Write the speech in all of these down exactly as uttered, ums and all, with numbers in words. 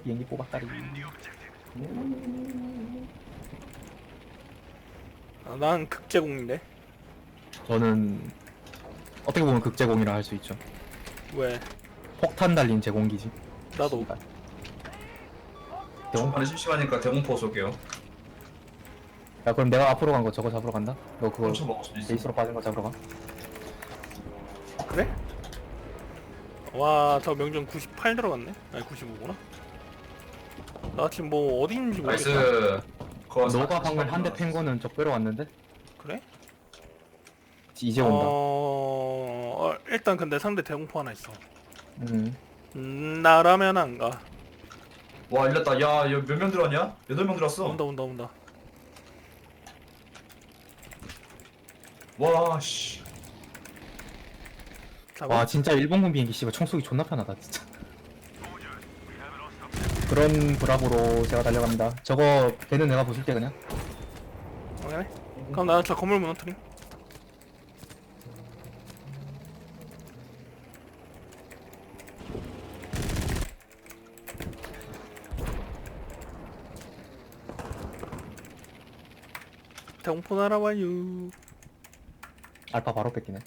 비행기 뽑았다리. 아, 난 극제공인데. 저는 어떻게 보면 극제공이라 할 수 있죠. 왜? 폭탄 달린 제공기지. 나도. 씨발. 초반에 심심하니까 대공포 쏠게요. 야 그럼 내가 앞으로 간 거 저거 잡으러 간다. 너 그거 훔쳐 먹을 수도 있어. 베이스로 빠진 거 잡으러 가. 그래? 와, 저 명중 구십팔 들어갔네? 아니 구십오구나. 나 지금 뭐 어디 있는지 모르겠다. 나이스. 그거 너가 사- 방금 한 대 사십팔 팬 거는 적배로 왔는데 그래? 이제 온다. 어... 어, 일단 근데 상대 대공포 하나 있어. 음. 음, 나라면 안 가. 와 일렸다. 야, 몇 명 들어왔냐? 여덟 명 들어왔어. 온다 온다 온다. 와 씨. 잡아. 와 진짜 일본군 비행기 씨발 총쏘기 존나 편하다 진짜. 그런 브라보로 제가 달려갑니다. 저거 배는 내가 부술게 그냥. 오케이. 그럼 나 저 건물 무너뜨림. 대공포 날아와요. 알파 바로 뺏기네.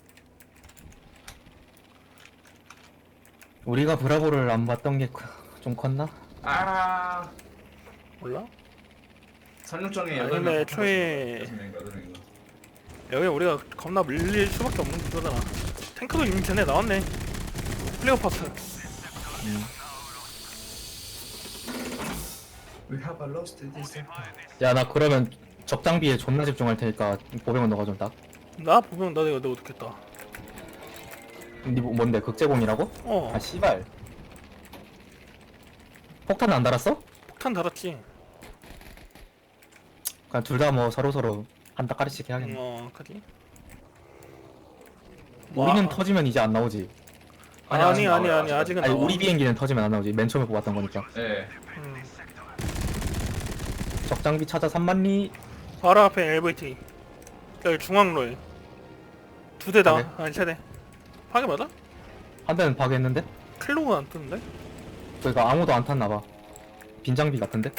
우리가 브라보를 안 봤던 게 좀 컸나? 아. 몰라? 설명정에 아니, 여덟 근데 명. 애초에- 여섯 명인가, 여덟 명인가. 여기 우리가 겁나 밀릴 수밖에 없는 구조잖아. 탱크도 이미 전에 나왔네. 플레어 파트. 음. We have a lost this. 야 나 그러면 적장비에 존나 집중할 테니까 보병은 너가 좀 딱. 나 보면 나 내가 내가 어떻겠다. 니 뭐- 뭔데 극제공이라고? 어, 아 씨발. 폭탄 안 달았어? 폭탄 달았지. 그냥 둘 다 뭐 서로 서로 한 따까리씩 해야겠네. 어, 그지. 우리는 와. 터지면 이제 안 나오지. 아니 아니, 아니 아직 아니, 나와요, 아직은 아니 나와. 우리 비행기는 터지면 안 나오지. 맨 처음에 뽑았던 거니까. 예. 음. 적장비 찾아 삼만리. 바로 앞에 엘브이티. 여기 중앙로에 두 대다. 파괴? 아니 세 대. 파괴 맞아? 한 대는 파괴했는데? 클로가 안 뜨는데? 그러니까 아무도 안 탔나봐. 빈장비 같은데?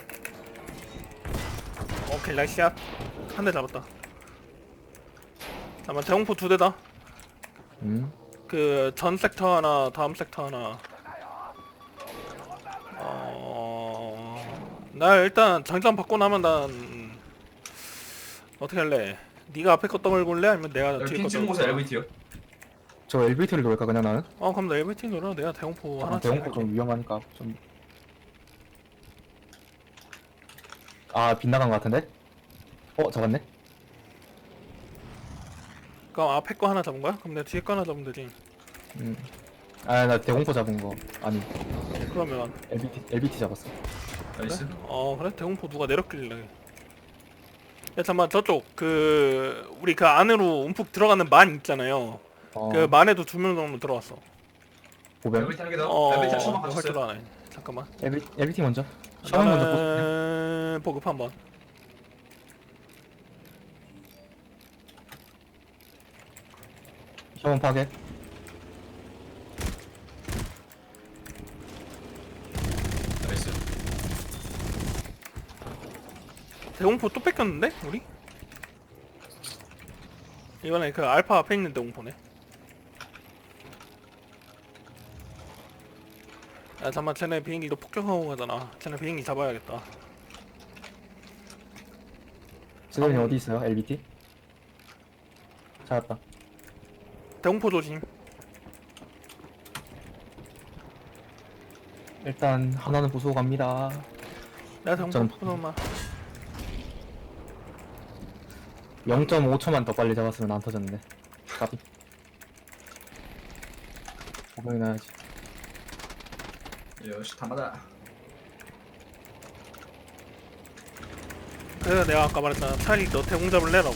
오케이 나이스샷. 한 대 잡았다. 잠깐만 대공포 두 대다. 음. 그 전 섹터 하나, 다음 섹터 하나. 어... 나 일단 장전 받고 나면 난 어떻게 할래? 네가 앞에 거 떠밀고 올래? 아니면 내가 여기 뒤에 핀 거 찍은 곳에 떠밀까? 엘비티요. 저 엘비티를 놓을까 그냥 나는? 어 그럼 나 엘비티 놀아. 내가 대공포 하나 아, 대공포 좀 위험하니까 좀. 아 빗나간 것 같은데? 어 잡았네? 그럼 앞에 거 하나 잡은 거야? 그럼 내가 뒤에 거 하나 잡으면 되지. 음. 아 나 대공포 잡은 거 아니 그러면 엘비티 엘비티 잡았어. 나이스. 어 그래? 대공포 누가 내렸길래. 야 잠깐만 저쪽 그 우리 그 안으로 움푹 들어가는 만 있잖아요. 어. 그 만에도 두 명 정도 들어왔어. 보병. 엘비티 한 개 더. 어, 엘비티 한 번만 할 갔어요. 줄 아네. 잠깐만. 엘비 엘비티 먼저. 샤워 먼저 보세요. 나는 보급 한번. 샤워 파괴. 나이스. 대공포 또 뺏겼는데 우리? 이번에 그 알파 앞에 있는 대공포네. 야 잠깐만 쟤네 비행기도 폭격하고 가잖아. 쟤네 비행기 잡아야겠다. 지도님 아, 어디 있어요? 엘비티? 찾았다. 대공포 조심. 일단 하나는 부수고 갑니다. 내가 대공포 저는- 포도만. 영 점 오 초만 더 빨리 잡았으면 안 터졌는데. 까비. 보병이 나야지. 역시 담아다. 그래서 내가 아까 말했잖아. 차라리 너 대공 잡을래라고.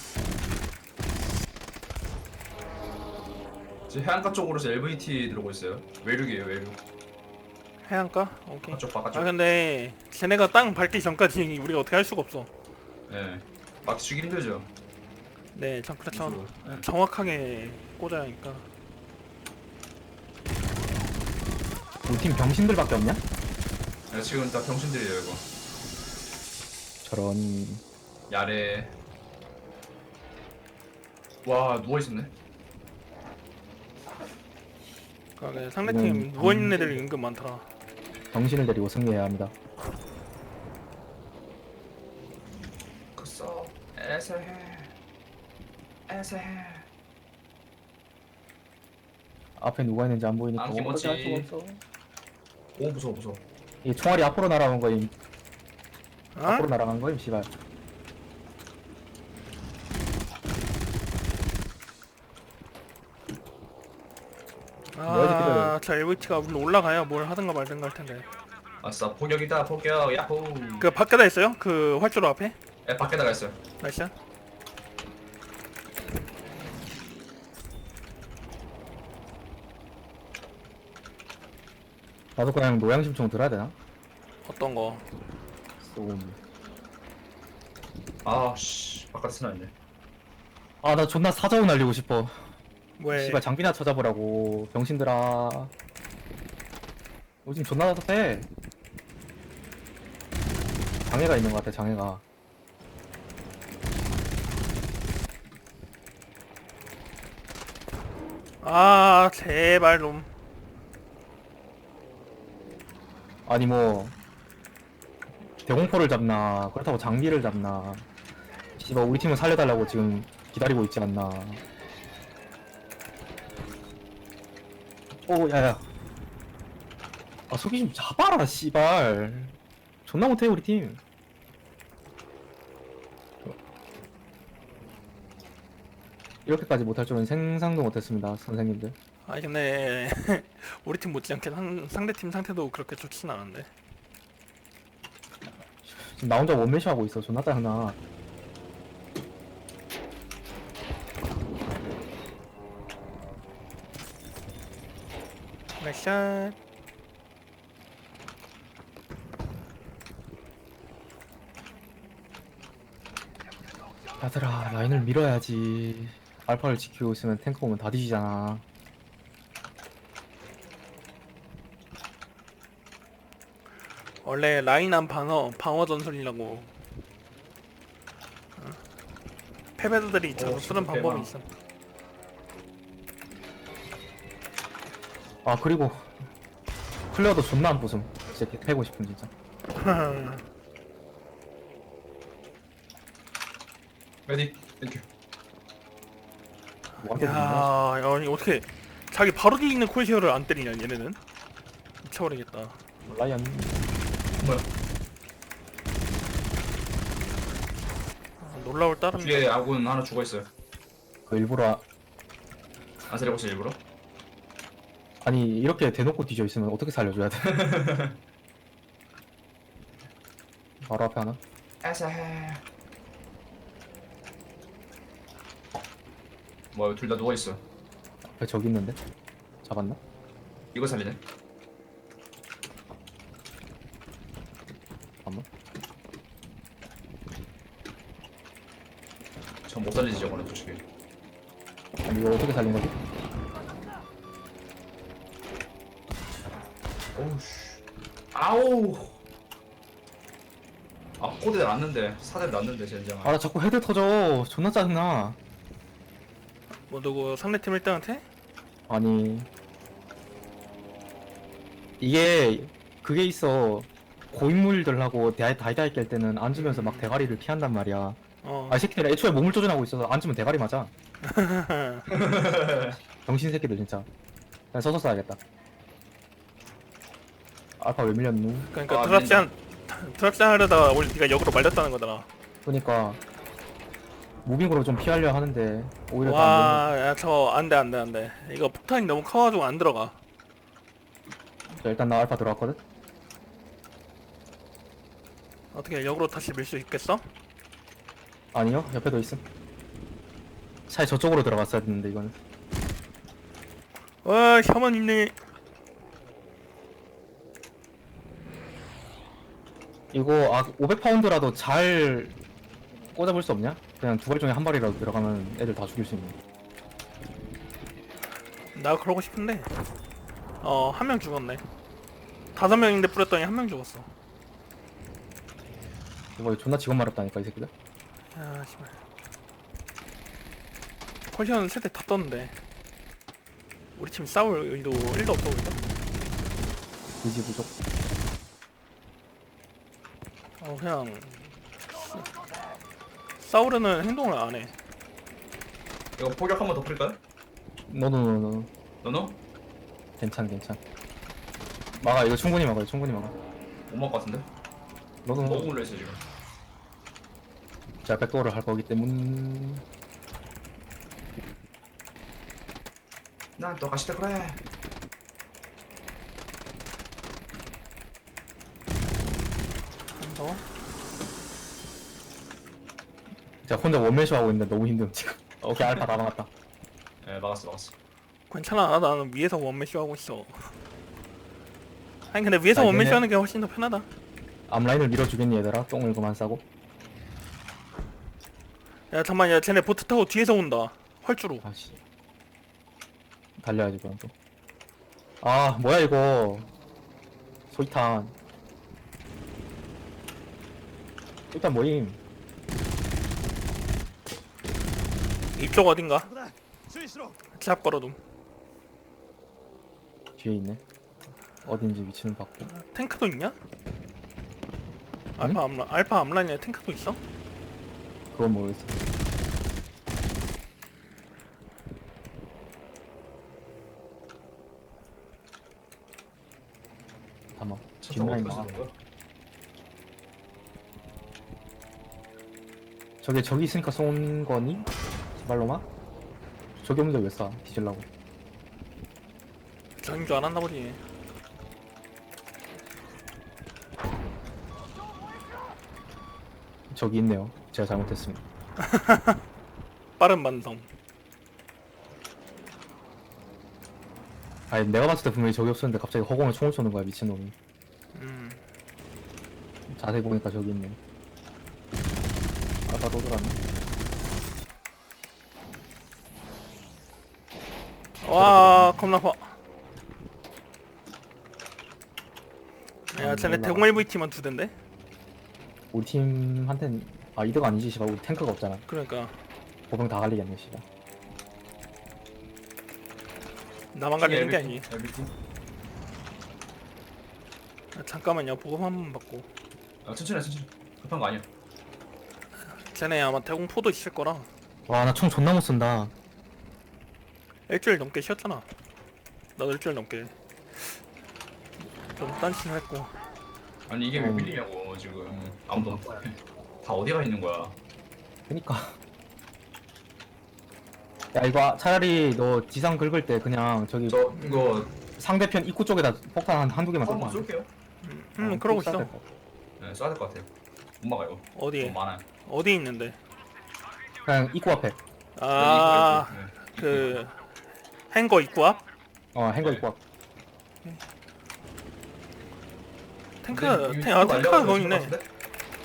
지금 해안가 쪽으로서 엘비티 들어오고 있어요. 외륙이에요, 외륙. 해안가? 오케이. 바깥쪽, 아 바깥쪽. 근데 쟤네가 땅 밟기 전까지 우리가 어떻게 할 수가 없어. 예. 맞추기 힘들죠. 네, 참 그렇죠. 네. 정확하게 꽂아야 하니까. 우리 팀 병신들밖에 없냐? 야, 지금 다 병신들이에요 이거. 저런. 야래. 와 누워 있었네. 그러니까 상대팀 음, 누워있는 애들이 은근 많더라. 정신을 데리고 승리해야 합니다. 그써 애세해. 애세해. 앞에 누가 있는지 안 보이니까 아, 어떻게 할 김어치. 수가 없어. 오 무서워 무서워. 이 총알이 앞으로 날아간 거임. 어? 앞으로 날아간 거임, 씨발. 아, 저 엘브이티가 물론 올라가야 뭘 하든가 말든가 할 텐데. 아싸 포격이다 포격 야호. 그 밖에다 있어요? 그 활주로 앞에? 에 밖에 나가 있어요. 나이스. 나도 그냥 노양심총 들어야 되나? 어떤 거? 쏘. 아씨 바깥에 스나있네. 아, 나 존나 사자우 날리고 싶어. 왜? 씨발 장비나 찾아보라고. 병신들아. 요즘 존나 답답해. 장애가 있는 것 같아, 장애가. 아, 제발 좀. 아니 뭐 대공포를 잡나 그렇다고 장비를 잡나. 씨발 우리 팀을 살려달라고 지금 기다리고 있지 않나. 오 야야, 아 속이 좀 잡아라 씨발. 존나 못해 우리 팀. 이렇게까지 못할 줄은 생상도 못했습니다 선생님들. 아니 근데 우리 팀 못지않게 상, 상대팀 상태도 그렇게 좋진 않은데. 지금 나 혼자 원매시 하고 있어. 존나 짜증나. 나이스. 얘들아 라인을 밀어야지. 알파를 지키고 있으면 탱크 오면 다 뒤지잖아. 원래 라인한 방어 방어 전술이라고. 어. 패배들이 있어서 오, 쓰는 진짜 방법이 대박. 있어. 아 그리고 플레어도 존나 안 부숨. 진짜 개 패고 싶은 진짜. 메디 땡큐. 뭐한테 부숨이야? 야, 아니 어떻게 자기 바로 뒤에 있는 콜시어를 안 때리냐 얘네는. 미쳐버리겠다. 라이언. 뭐야? 아, 놀라울 따름. 뒤에 아군 하나 죽어 있어요. 그 일부러 안 살려봤어 일부러? 아니 이렇게 대놓고 뒤져 있으면 어떻게 살려줘야 돼? 바로 앞에 하나. 애세해. 뭐 둘 다 누워 있어. 앞에 저기 있는데 잡았나? 이거 살리네. 잠깐만. 전 못 살리지 저거는 솔직히. 아니 이걸 어떻게 살린 거지? 오우씨. 아우. 아 코드 났는데 사대 났는데 젠장. 아 나 자꾸 헤드 터져. 존나 짜증나. 뭐 누구 상대팀 일 등한테? 아니 이게 그게 있어. 고인물들하고 다- 다이다이 깰 때는 앉으면서 막 대가리를 피한단 말이야. 어. 아 이 새끼들 애초에 몸을 조준하고 있어서 앉으면 대가리 맞아. 병신 새끼들 진짜. 그냥 서서 쏴야겠다. 알파 왜 밀렸누? 그러니까 아, 드랍장 드랍장 하려다가 오늘 네가 역으로 말렸다는 거잖아. 그러니까 무빙으로 좀 피하려 하는데 오히려 더 안 와, 야, 저 안돼 안돼 안돼. 이거 폭탄이 너무 커가지고 안 들어가. 되는. 자, 일단 나 알파 들어왔거든. 어떻게 역으로 다시 밀 수 있겠어? 아니요, 옆에도 있음. 차에 저쪽으로 들어갔어야 했는데 이거는. 와, 혐한 있네. 이거 아 오백 파운드라도 잘 꽂아볼 수 없냐? 그냥 두 발 중에 한 발이라도 들어가면 애들 다 죽일 수 있는. 나 그러고 싶은데. 어, 한 명 죽었네. 다섯 명인데 뿌렸더니 한 명 죽었어. 이거 존나 직원 말았다니까 이 새끼들. 야 씨발. 콜시언은 세대 다 떴는데 우리 팀 싸울 의도 일도 없어 보인다. 의지 부족. 어 그냥 싸우려는 행동을 안 해. 이거 포격 한 번 더 뿌릴까요? 너너너너 너너? 괜찮 괜찮. 막아 이거 충분히 막아 이거 충분히 막아. 못 먹을 것 같은데? 너너 너무 올려 있어 지금. 제가 백도어를 할 거기 때문. 난 또 가시다 그래. 한 더. 제가 혼자 원맨쇼 하고 있는데 너무 힘듦 지금. 오케이 알파 다 막았다. 예 막았어 막았어. 괜찮아 나는 위에서 원맨쇼 하고 있어. 아니 근데 위에서 아, 원맨쇼 얘네- 하는 게 훨씬 더 편하다. 앞라인을 밀어주겠니 얘들아? 똥을 그만 싸고. 야 잠만 야 쟤네 보트 타고 뒤에서 온다. 헐주로. 아씨. 달려야지 그럼 또. 아 뭐야 이거. 소이탄. 소이탄 모임. 이쪽 어딘가? 제압 걸어둠. 뒤에 있네. 어딘지 위치는 봤고. 탱크도 있냐? 알파 암라 알파 암라인에 탱크도 있어? 그건 모르겠어. 잠깐만. 차 타고 뒷라인 어디까지 막아. 가는 거야? 저게 저기 있으니까 쏜 거니? 제발로마? 저기 없는데 왜 쏴? 뒤질라고. 저인 줄 알았나 보지. 저기 있네요. 제가 잘못했습니다. 빠른 반성. 아니 내가 봤을 때 분명히 저기 없었는데 갑자기 허공에 총을 쏘는 거야 미친놈이. 음. 자세히 보니까 저기 있네. 아까 또 들어왔네. 와 겁나 아파. 야 음, 쟤네 몰라. 대공 엘브이 팀만 두 대인데? 우리 팀한텐 아 이득 아니지 씨발. 우리 탱크가 없잖아. 그러니까 보병 다 갈리겠네 씨발. 나만 갈리는 게 아니. 엘비티? 아, 잠깐만요 보급 한 번 받고. 아 천천히 해 천천히. 급한 거 아니야. 쟤네 아마 대공포도 있을 거라. 와 나 총 존나 못 쏜다. 일주일 넘게 쉬었잖아. 나도 일주일 넘게 좀 딴신했고. 아니 이게 왜 음. 밀리냐고 지금. 아무도 없. 다 어디가 있는 거야? 그니까. 야 이거 차라리 너 지상 긁을 때 그냥 저기 저 이거 상대편 입구 쪽에다 폭탄 한 한두 개만 쏘고 한번 쏠게요. 음, 음 그러고 있어. 네 쏴야 될 것 같아요. 못 막아요. 어디에? 너무 많아요. 어디 있는데? 그냥 입구 앞에. 아, 네, 그 행거 입구 앞? 어 행거 네. 입구 앞. 탱크, 근데 탱, 아 이거 탱크가 알려가지고 거기 있네. 죽을 것 같은데?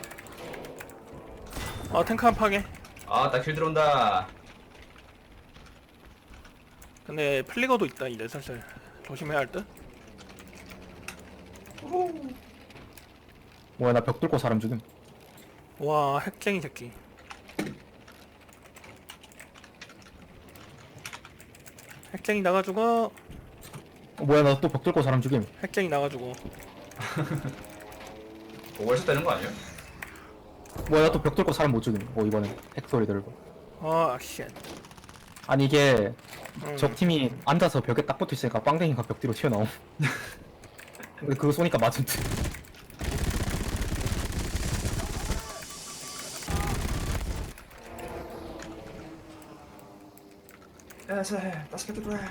아 탱크 한 파괴. 아, 나 킬 들어온다. 근데 플리거도 있다 이제 슬슬 조심해야 할 듯. 뭐야 나 벽 뚫고 사람 죽임. 와 핵쟁이 새끼. 핵쟁이 나가지고 어, 뭐야 나 또 벽 뚫고 사람 죽임. 핵쟁이 나가지고. 뭐 월샷 되는 거 아니에요? 뭐야 나 또 벽 뚫고 사람 못 죽임. 어 이번엔 핵 소리 들고. 아 쉣. 아니 이게 음. 적 팀이 앉아서 벽에 딱 붙어 있으니까 빵댕이가 벽 뒤로 튀어나옴. 근데 그거 쏘니까 맞은 듯. 에세, 다섯 개 들어.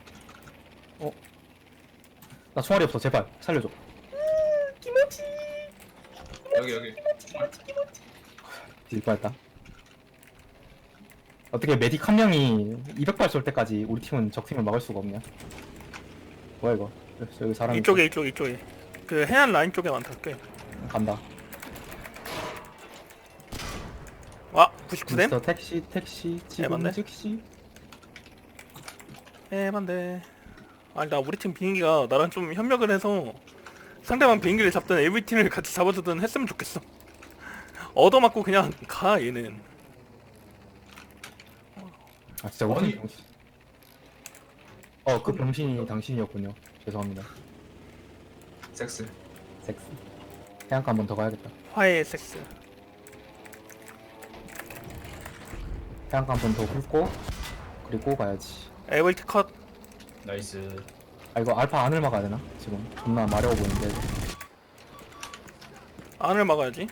나 총알이 없어 제발 살려줘. 여기 여기. 뒤질 뻔했다. 어떻게 메딕 한 명이 이백 발 쏠 때까지 우리 팀은 적 팀을 막을 수가 없냐? 뭐야 이거? 여기 사람 이쪽에 이쪽 이쪽에 그 해안 라인 쪽에 많다 꽤. 간다. 와 구십구 댐? 미스터 택시 택시 지금 맞네. 즉시. 에반데. 아니 나 우리 팀 비행기가 나랑 좀 협력을 해서 상대방 비행기를 잡든 에이브이티를 같이 잡아주든 했으면 좋겠어. 얻어맞고 그냥 가 얘는. 아 진짜 우리 아니. 팀 병신. 어그 병신이 당신이었군요. 죄송합니다. 섹스. 섹스. 해안가 한 번 더 가야겠다. 화해의 섹스. 해안가 한 번 더 훑고 그리고 가야지. 에이브이티 컷. 나이스. 아 이거 알파 안을 막아야 되나? 지금 존나 마려워 보이는데. 안을 막아야지.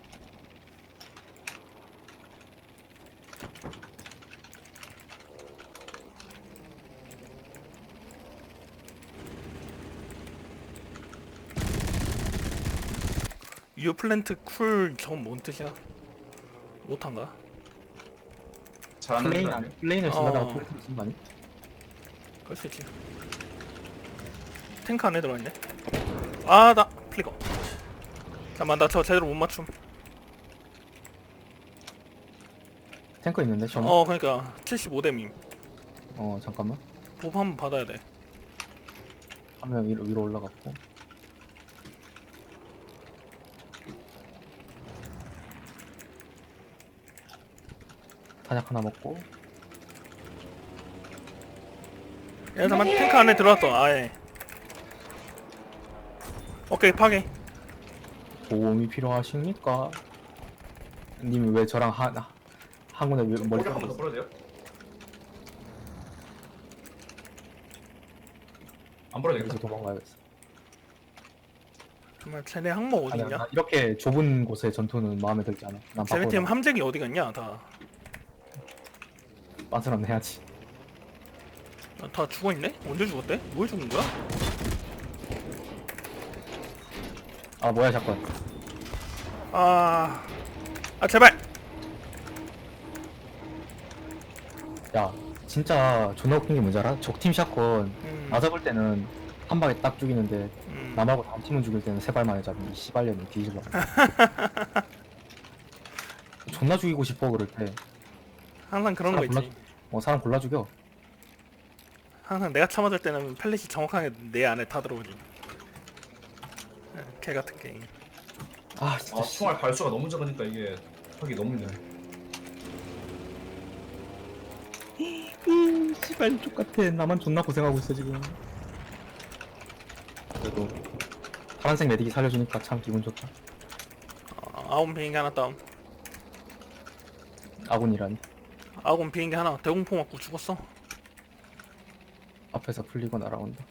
유플랜트 쿨 저건 뭔 뜻이야? 못한가? 잘하는 플레인 거 안 아니야? 플레인을 쓴다다가 어. 플레이를 쓴거 아니? 그럴 수 있지. 탱크 안에 들어있네. 아, 나 플리거. 잠깐만, 나 저 제대로 못 맞춤. 탱크 있는데 저. 어, 그러니까 칠십오 댐임. 어 잠깐만. 보п 한번 받아야 돼. 한 명 위로, 위로 올라갔고. 탄약 하나 먹고. 야, 잠깐만, 탱크 안에 들어왔어. 아예. 오케이, 파괴. 도움이 필요하십니까? 님이 왜 저랑 한 한군에 왜 머리 머리 한번 더 깎고 풀어도 돼요? 안 풀어도 여기서 되겠다. 도망가야겠어. 정말 쟤네 항모 어디 아니야, 있냐? 나 이렇게 좁은 곳의 전투는 마음에 들지 않아. 난 쟤네 팀 바꿔. 함재기 어디 갔냐? 다. 빤스런 해야지. 다 죽어있네? 언제 죽었대? 뭘 죽은 거야? 아 뭐야 잠깐. 아, 아 제발. 야 진짜 존나 웃긴 게 뭔지 알아? 적팀 샷건 음, 나 잡을 때는 한 방에 딱 죽이는데 음. 나 말고 다른 팀은 죽일 때는 세 발 만에 잡는 이 씨발년이 뒤질러. 존나 죽이고 싶어 그럴 때. 항상 그런 거 사람 있지. 어 사람 골라 죽여. 항상 내가 참아줄 때는 펠릿이 정확하게 내 안에 다 들어오지. 개 같은 게임. 아 진짜 아, 씨. 총알 발수가 너무 작으니까 이게 하기 너무 힘드네. 음, 씨발 족같아. 나만 존나 고생하고 있어 지금. 그래도 파란색 메딕이 살려주니까 참 기분 좋다. 아, 아군 비행기 하나 다운. 아군이라니. 아군 비행기 하나 대공포 맞고 죽었어. 앞에서 풀리고 날아온다.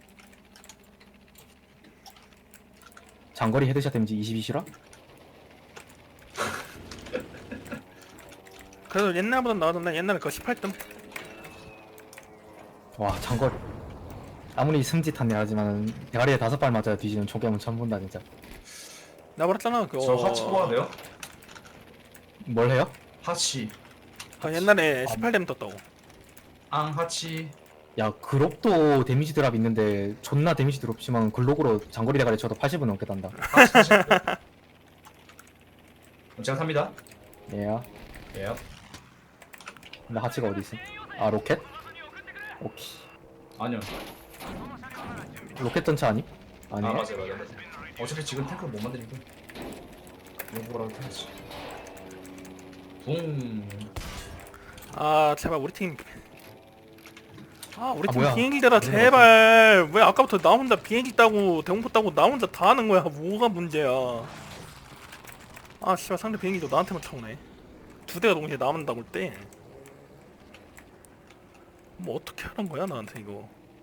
장거리 헤드샷 데미지 이십이시라? 그래도 옛날보다 나아졌네. 옛날에 그거 십팔 등. 와 장거리. 아무리 승짓한 애하지만 대가리에 다섯 발 맞아야 뒤지는 총개은 처음 본다 진짜. 나 말했잖아. 그거. 저 하치 뽑아야 돼요? 뭘 해요? 하치. 그 옛날에 십팔 댐 떴다고. 앙 하치. 야 글록도 데미지 드랍 있는데 존나 데미지 드랍 심한 글록으로 장거리 대가리 쳐도 팔십은 넘게 단다. 하치 하치. 그럼 제가 삽니다. 얘야. 예. 근데 하치가 어디 있어? 아 로켓? 오케이. 아니요. 로켓 전차 아니? 아 아니야. 맞아요 맞아요. 맞아요. 어차피 지금 탱크를 못 만드니까. 요거라도 해야지. 붕. 아 제발 우리 팀. 아 우리 아, 팀 뭐야. 비행기 대라 제발. 왜 아까부터 나 혼자 비행기 따고 대공포 따고 나 혼자 다 하는 거야. 뭐가 문제야. 아 씨발 상대 비행기도 나한테만 쳐오네. 두 대가 동시에 남은다고 때. 뭐 어떻게 하는 거야 나한테 이거.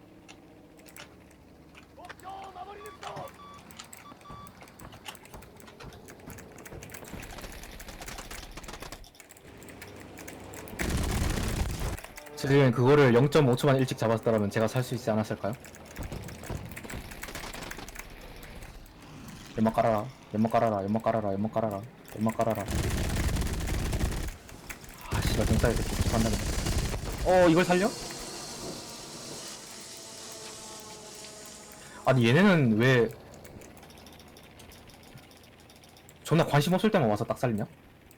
지금 그거를 영 점 오 초만 일찍 잡았더라면 제가 살 수 있지 않았을까요? 연막 깔아라. 연막 깔아라. 연막 깔아라. 연막 깔아라. 연막 깔아라. 아 씨발 등살이 새끼 죽한다 그냥. 어 이걸 살려? 아니 얘네는 왜 존나 관심 없을 때만 와서 딱 살리냐?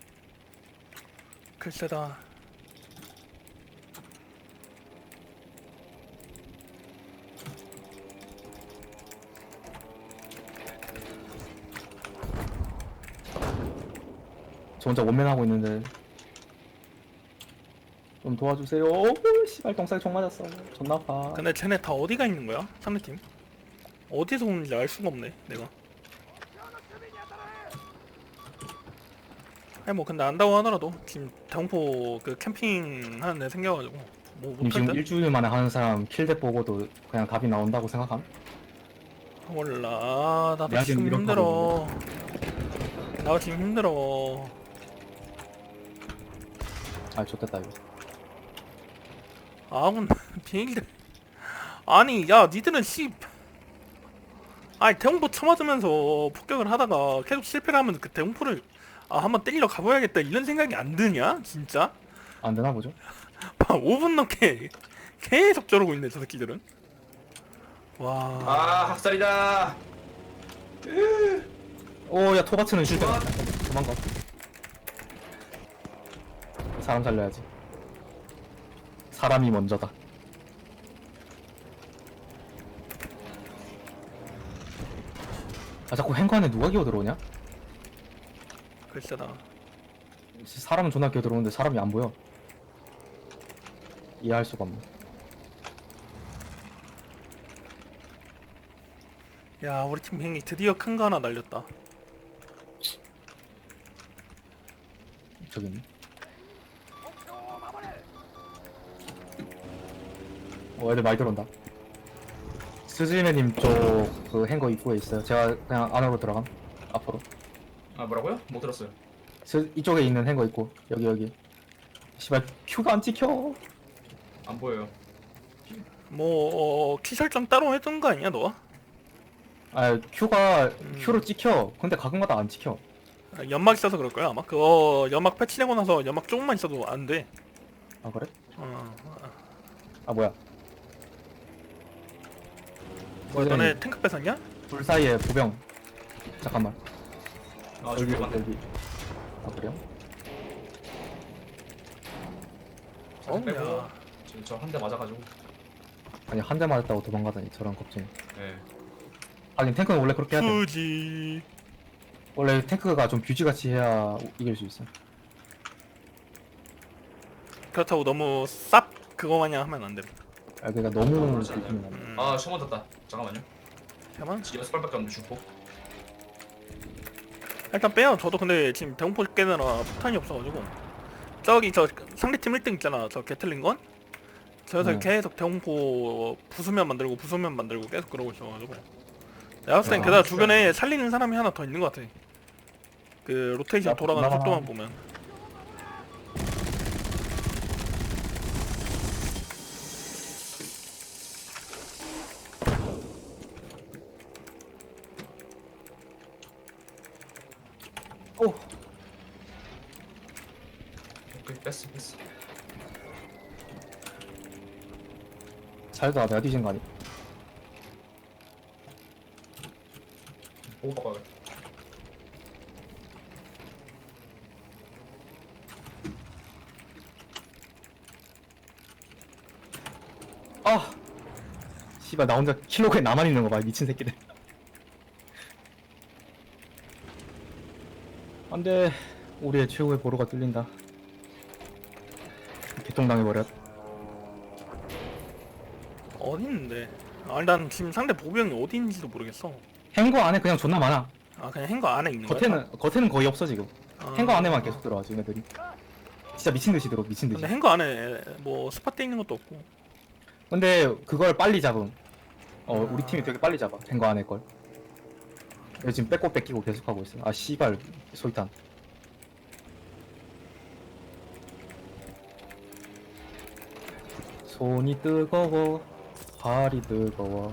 글쎄다. 저 혼자 원맨하고 있는데 좀 도와주세요. 오 씨발 똥싸게 총 맞았어. 존나 아파. 근데 쟤네 다 어디가 있는 거야? 상대팀? 어디서 오는지 알 수가 없네 내가. 아니 뭐 근데 안다고 하더라도 지금 대공포 그 캠핑 하는 애 생겨가지고 뭐 님 못할 지금 듯? 일주일 만에 하는 사람 킬대 보고도 그냥 답이 나온다고 생각함? 몰라. 아, 나도 내가 지금 지금 힘들어. 나 지금 힘들어. 아 좋겠다 이거. 아군 비행기들. 아니 야 니들은 씨. 아니 대공포 쳐맞으면서 폭격을 하다가 계속 실패를 하면 그 대공포를 아 한번 때리러 가봐야겠다 이런 생각이 안 드냐? 진짜? 안 되나 보죠? 오 분 넘게 계속 저러고 있네 저 새끼들은. 와. 아 학살이다. 오야 토바츠는 실패. 좋아. 도망가. 사람 살려야지. 사람이 먼저다. 아 자꾸 행거 안에 누가 기어 들어오냐? 글쎄다. 사람은 존나 기어 들어오는데 사람이 안 보여. 이해할 수가 없네. 야 우리 팀 비행기 드디어 큰 거 하나 날렸다. 저기 있네. 어 애들 많이 들어온다. 스즈메님 쪽 그 행거 입구에 있어요. 제가 그냥 안으로 들어감. 앞으로. 아 뭐라고요? 못 들었어요. 스, 이쪽에 있는 행거 있고 여기 여기. 씨발 큐가 안 찍혀. 안 보여요. 뭐 어, 키 설정 따로 해둔 거 아니야 너? 아 큐가 음. 큐로 찍혀. 근데 가끔가다 안 찍혀. 아, 연막 있어서 그럴 거야 아마. 그거 연막 패치되고 나서 연막 조금만 있어도 안 돼. 아 그래? 어. 아 뭐야? 뭐야 선생님, 너네 탱크 뺏었냐? 불 사이에 보병. 잠깐만. 아 여기 저기 맞네. 여기. 아 그래요? 어, 빼고 야. 저 한 대 맞아가지고. 아니 한 대 맞았다고 도망가다니 저런 겁쟁이. 네. 하긴 탱크는 원래 그렇게 해야 돼. 후지. 원래 탱크가 좀 뷰지같이 해야 이길 수 있어. 그렇다고 너무 쌉 그거 마냥 하면 안 돼. 아 그러니까 너무 그렇지 않아요. 들키면 안 돼. 음. 아 처음 맞았다. 잠깐만요. 잠깐만. 여섯 발밖에 없는데 죽고. 일단 빼요. 저도 근데 지금 대공포 깨느라 폭탄이 없어가지고 저기 저 상대팀 일 등 있잖아. 저 게틀린 건. 저기서 네. 계속 대공포 부수면 만들고 부수면 만들고 계속 그러고 있어가지고 내가 봤을 땐 아, 게다가 진짜. 주변에 살리는 사람이 하나 더 있는 것 같아. 그 로테이션 야, 돌아가는 나가나. 속도만 보면. 오. 오케이 뺐어 뺐어. 잘가 내가 뒤진 거 아니? 보고 바꿔야겠다. 아. 씨발 나 혼자 킬로그에 나만 있는 거 봐. 미친 새끼들. 안돼. 우리의 최후의 보루가 뚫린다. 개통당해버렸. 어디 있는데? 아, 난 지금 상대 보병이 어디 있는지도 모르겠어. 행거 안에 그냥 존나 많아. 아 그냥 행거 안에 있는 거야? 겉에는 겉에는 거의 없어 지금. 아, 행거 안에만 계속 들어와 지금 애들이. 진짜 미친 듯이 들어 미친 듯이. 근데 행거 안에 뭐 스팟 돼 있는 것도 없고. 근데 그걸 빨리 잡음. 어 아. 우리 팀이 되게 빨리 잡아. 행거 안에 걸. 얘 지금 뺏고 뺏기고 계속 하고 있어. 아 씨발 소이탄. 손이 뜨거워. 발이 뜨거워.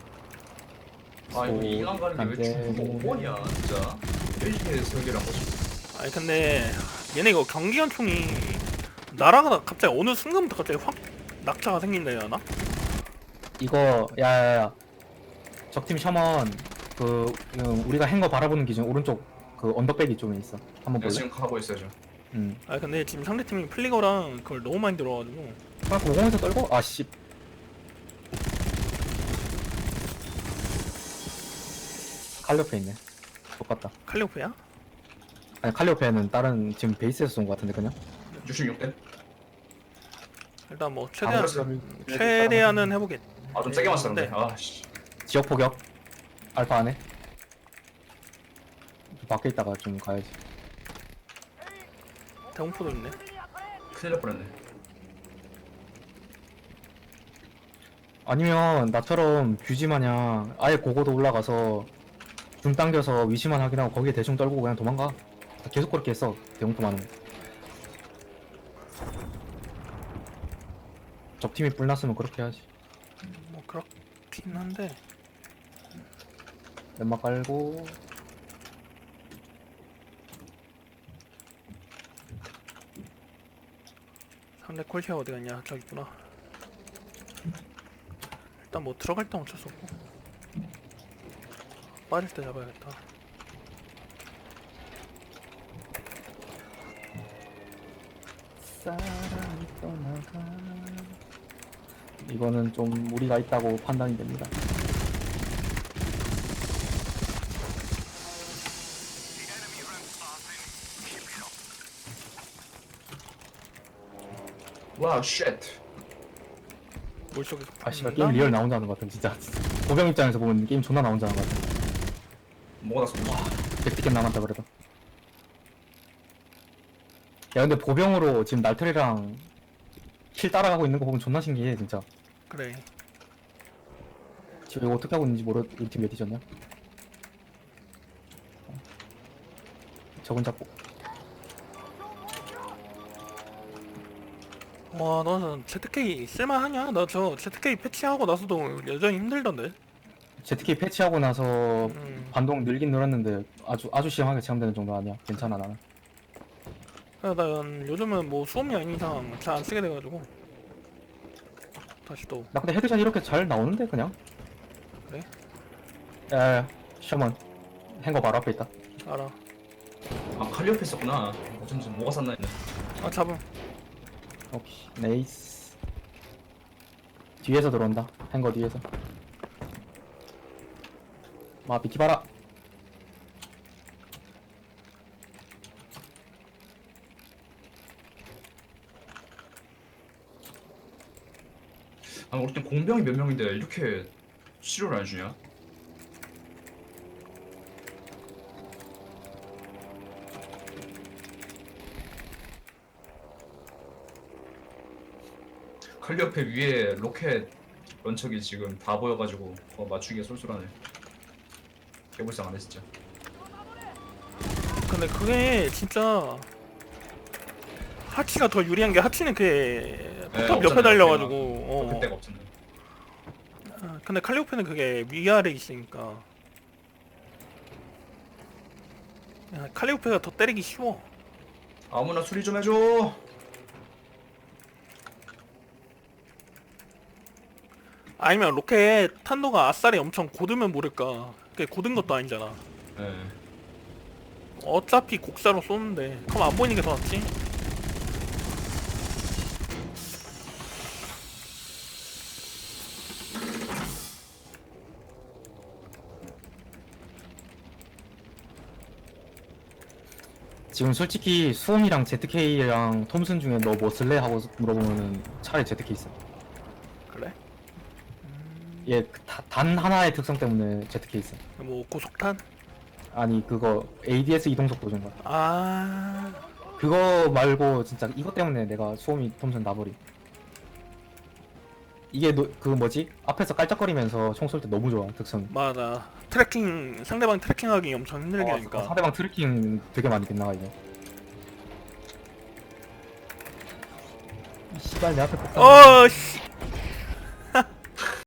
아 이거 손이 이강 가는 게 왜 안 중국 되네. 오 번이야 진짜. 일일이 설계를 한 거지. 아니 근데 얘네 이거 경기관총이 날아가다 갑자기 어느 순간부터 갑자기 확 낙차가 생긴다 해야 하나? 이거 야야야. 적팀 셔먼 그 음, 우리가 행거 바라보는 기준 오른쪽 그 언덕배기 쪽에 있어. 한번 내가 볼래? 지금 가고 있어요 지금. 음. 아 근데 지금 상대팀이 플리거랑 그걸 너무 많이 들어가지고 아 고공에서 떨고 아 씨. 칼 옆에 있네. 똑같다. 칼리오프야? 아니 칼리오페는 다른 지금 베이스에서 쏜 것 같은데 그냥. 육십육 대. 일단 뭐 최대한 아, 최대한은 해보겠. 아 좀 세게 맞았는데. 네. 아씨. 지역 포격. 알파 안에. 좀 밖에 있다가 좀 가야지. 대공포도 있네. 큰일 날 뻔했네. 아니면 나처럼 규지 마냥 아예 고고도 올라가서 중 당겨서 위치만 확인하고 거기에 대충 떨고 그냥 도망가. 계속 그렇게 했어 대공포 많은. 적팀이 뿔났으면 그렇게 해야지. 뭐 그렇긴 한데. 연막 깔고 상대 콜시아 어디 갔냐? 저기 있구나. 일단 뭐 들어갈 땐 어쩔 수 없고 빠질 때 잡아야겠다. 사랑이 떠나가. 이거는 좀 무리가 있다고 판단이 됩니다. 와우 쉣. 물 속에 아 씨발 게임 리얼 나 혼자 하는 것 같아 진짜. 보병 입장에서 보면 게임 존나 나 혼자 하는 것 같아. 뭐가 났어? 백 티켓 남았다 그래도. 야 근데 보병으로 지금 날틀이랑 킬 따라가고 있는 거 보면 존나 신기해 진짜. 그래. 지금 이거 어떻게 하고 있는지 모르. 우리 팀 몇 뒤졌냐? 저건 잡고. 와, 너는 제트케이 쓸만하냐? 나 저 제트케이 패치하고 나서도 여전히 힘들던데. 제트키 패치하고 나서 음. 반동 늘긴 늘었는데 아주 아주 심하게 체감되는 정도 아니야. 괜찮아 나는. 야, 난 요즘은 뭐 수업이 아닌 이상 잘 안 쓰게 돼가지고 다시 또. 나 근데 헤드샷 이렇게 잘 나오는데 그냥. 그래? 야야야 셔먼 행거 바로 앞에 있다. 알아. 아 칼리오페 있었구나. 어쩐지 뭐가 샀나 했네. 아, 잡음. 오케이 네이스. 뒤에서 들어온다. 행거 뒤에서. 마 비키봐라. 아 우리 팀 공병이 몇 명인데 이렇게 치료를 안 해주냐? 칼리오페 위에 로켓 런처기 지금 다 보여가지고 어, 맞추기가 쏠쏠하네. 개불쌍하네 진짜. 근데 그게 진짜 하치가 더 유리한 게 하치는 그게 포탑 옆에 없잖아요, 달려가지고. 로켓 어. 대가 없잖아. 아, 근데 칼리오페는 그게 위아래 있으니까. 야, 칼리오페가 더 때리기 쉬워. 아무나 수리 좀 해줘. 아니면 로켓 탄도가 아싸리 엄청 고르면 모를까. 그게 고든 것도 아니잖아. 예. 어차피 곡사로 쏘는데 그럼 안 보이는 게 더 낫지? 지금 솔직히 수홈이랑 제트케이랑 톰슨 중에 너 뭐 쓸래? 하고 물어보면은 차라리 제트케이 있어. 그래? 얘 단 하나의 특성 때문에 제트케이 있어. 뭐 고속탄? 아니 그거 에이디에스 이동속도 준 거야. 아, 그거 말고 진짜 이것 때문에 내가 수홈이 톰슨 놔버리. 이게 노, 그 뭐지? 앞에서 깔짝거리면서 총 쏠 때 너무 좋아 특성이. 맞아. 트래킹, 상대방 트래킹하기 엄청 힘들게 어, 하니까. 상대방 트래킹 되게 많이 빗나가 이거. 이 씨발 내 앞에 폭탄. 어, 씨.